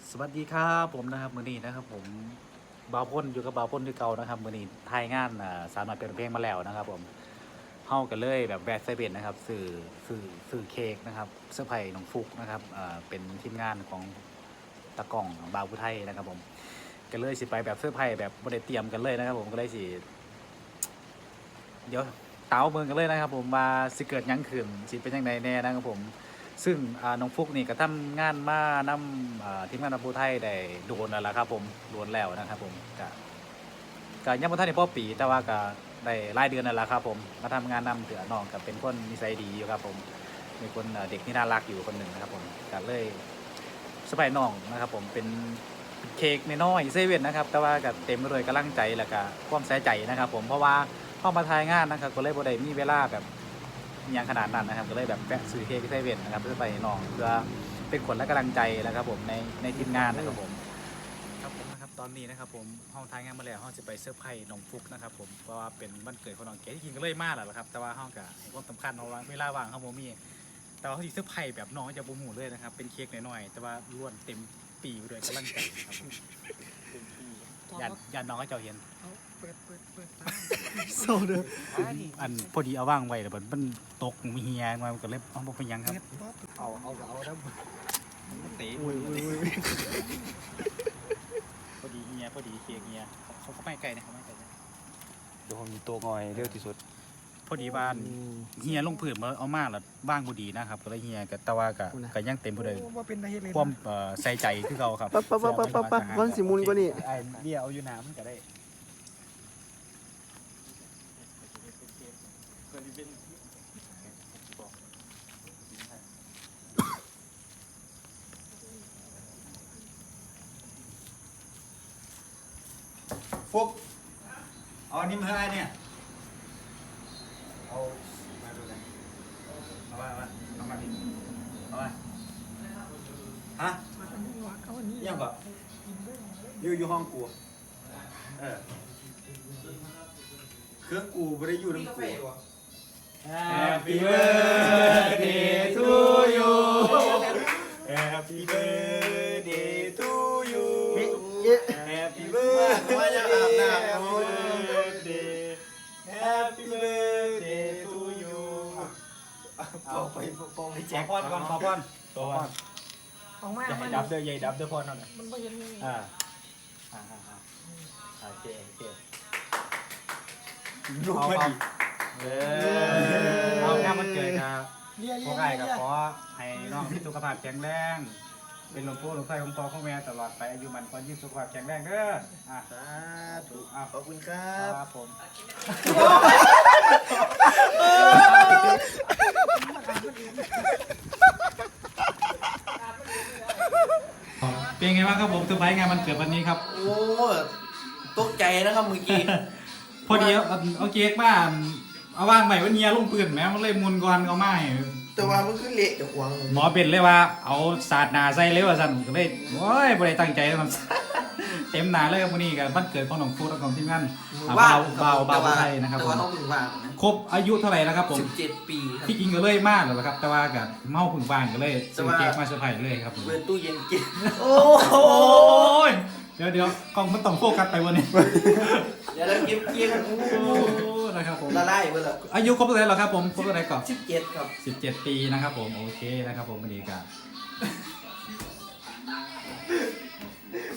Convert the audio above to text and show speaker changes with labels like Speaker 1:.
Speaker 1: สวัสดีครับผมนะครับมือนี้นะครับผมบ่าวพ่นอยู่กับบ่าวพ่นที่เก่านะครับมือนี้ทายงานสาวน้อยเป็นเพลงมาแล้วนะครับผมเฮากันเลยแบบแบดไซเบนนะครับสื่อเค้กนะครับเสื้อร์ไผ่น้องฟุกนะครับเป็นทีมงานของตะกล้องบ่าวผู้ไทยนะครับผมกันเลยสิไปแบบเสื้อร์ไผ่แบบบ่ได้เตรียมกันเลยนะครับผมก็เลยสิเดี๋ยวเต๋าเมืองกันเลยนะครับผมมาสิเกิดหยังขึ้นสิเป็นยังไงแน่นะครับผม ซึ่งน้องฟุกนี่ก็ทำงานมานำทีมงานนำผู้ไทยได้โดนแล้วล่ะครับผมโดนแล้วนะครับผมก็ยังบ่ทันได้พอปีแต่ว่าก็ได้รายเดือนนั่นแหละครับผมมาทำงานนำเถือน้องกับเป็นคนนิสัยดีอยู่ครับผมเป็นคนเด็กที่น่ารักอยู่คนหนึ่งนะครับผมก็เลยสบายน้องนะครับผมเป็นเค้กน้อยๆเซเว่นนะครับแต่ว่าก็เต็มไปด้วยกำลังใจแล้วก็ความใส่ใจนะครับผมเพราะว่าเข้ามาทายงานนะครับก็เลยบ่ได้มีเวลาแบบอย่างขนาดนั้นนะครับก็เลยแบบแวะซื้อเค้กที่เซเว่นนะครับเพื่อไปน้องเพื่อเป็นขวัญและกำลังใจนะครับผมในทีมงานนะครับผมครับผมนะครับตอนนี้นะครับผมห้องทายงานมาแล้วห้องจะไปเซอร์ไพรส์น้องฟุกนะครับผมเพราะว่าเป็นวันเกิดของน้องเก๋ที่จริงก็เลยมากแหละครับแต่ว่าห้องกับความสำคัญเอาไว้เวลาว่างเขาโมมี่แต่ว่าเขาที่เซอร์ไพรส์แบบน้องจะบูมหูเลยนะครับเป็นเค้กน้อยๆแต่ว่าล้วนเต็มปีไปด้วยกำลังใจครับผมยันน้องก็จะเห็น
Speaker 2: เปิด
Speaker 1: โซเดออันพอดีเอาว่างไว้แต่มันตกมีเฮียมาก็เลยเอาไปยังครับ
Speaker 2: เอาแล้ว
Speaker 1: มันเตะพอดีเฮียพอดีเค้กเฮียเขาไม่ไกลนะครับไม่ไกลนะ
Speaker 2: เดี๋ยวผมมีตัวงอยเร็วที่สุด
Speaker 1: พอดีบ้านเฮียลงผืนมาเอามากแล้วบ้างพอดีนะครับก็เลยเฮียกับตะวากะก็ยังเต็มพอดีความใส่ใจคือเขาครับ
Speaker 2: ปั๊บวันสิมุนกว่านี่
Speaker 1: ไอ้เบี้ยเอาอยู่น้ำก็ได้
Speaker 3: ฟุกเอาอันนี้มาให้เนี่ยเอามาดูกันเอามาดิเอามาฮะยังก่อนอยู่ห้องกูเครื่องกูไม่ได้อยู่ทั้งกู Happy birthday to you Happy birthday to you Happy birthday Happy birthday to you เอาไปแจกพรก่อนขอพรตัว
Speaker 2: ของแม่
Speaker 3: จะให้ดับเด้อใหญ่ดับเด้อพรนั่นแหละ
Speaker 2: มันไม่เห็นมี
Speaker 3: โอเคลูกมาดิเอาแค่มันเกิดครับพวกไอ้กับขอให้น้องมีสุขภาพแข็งแรงเป็นหลวงปู่หลวงพ่อของพ่อของแม่ตลอดไปอายุมันก็ยิ่งสุขภาพแข็งแรงเด้อสาธุขอบคุณครับผมเป็นไงบ้างครับผมเซอร์ไพรส์งานมันเกิดวันนี้ครับ
Speaker 4: โอ้ตกใจนะครับเมื่อกี้
Speaker 3: พอดีเอาเค้กมาเอาว่างใหม่วันเนียลงปืนแม้มันเลยมุนก่อนเอามาให้
Speaker 4: แต่ว่ามันขึ้นเละจากควง
Speaker 3: หมอเป็นเลยว่าเอาสาดหนาใส่เลยว่าสั่นก็เลยโอ้ยบ่ได้ตั้งใจมัน เต็มหนาเลยครับวันนี้กันวันเกิดของน้องฟูดและของทีมงานบ่าวไทยนะครับ
Speaker 4: แต่
Speaker 3: ผม
Speaker 4: ว่าเขาถึงว่างนะ
Speaker 3: ครบอายุเท่าไหร่แล้วครับผม
Speaker 4: 17 ปีครับ
Speaker 3: ที่จริงก็เลยมากแล้วครับแต่ว่ากับเมาผึ่งบ้านก็เลยซื้อเค้กมาเซอร์ไพรส์เลยครับผม
Speaker 4: เปิดตู้เย็นกิน
Speaker 3: โอ้ยเดี๋ยวกล้องมันต้องโฟกัสไปวันนี้
Speaker 4: เดี๋ยวเรากิน
Speaker 3: โอ้นะครับผม
Speaker 4: ละลายไปเลย
Speaker 3: อายุครบเท่าไหร่แล้วครับผมครบเท่าไหร่ก่อน
Speaker 4: 17ครับ
Speaker 3: 17 ปีนะครับผมโอเคนะครับผมวันนี้ก็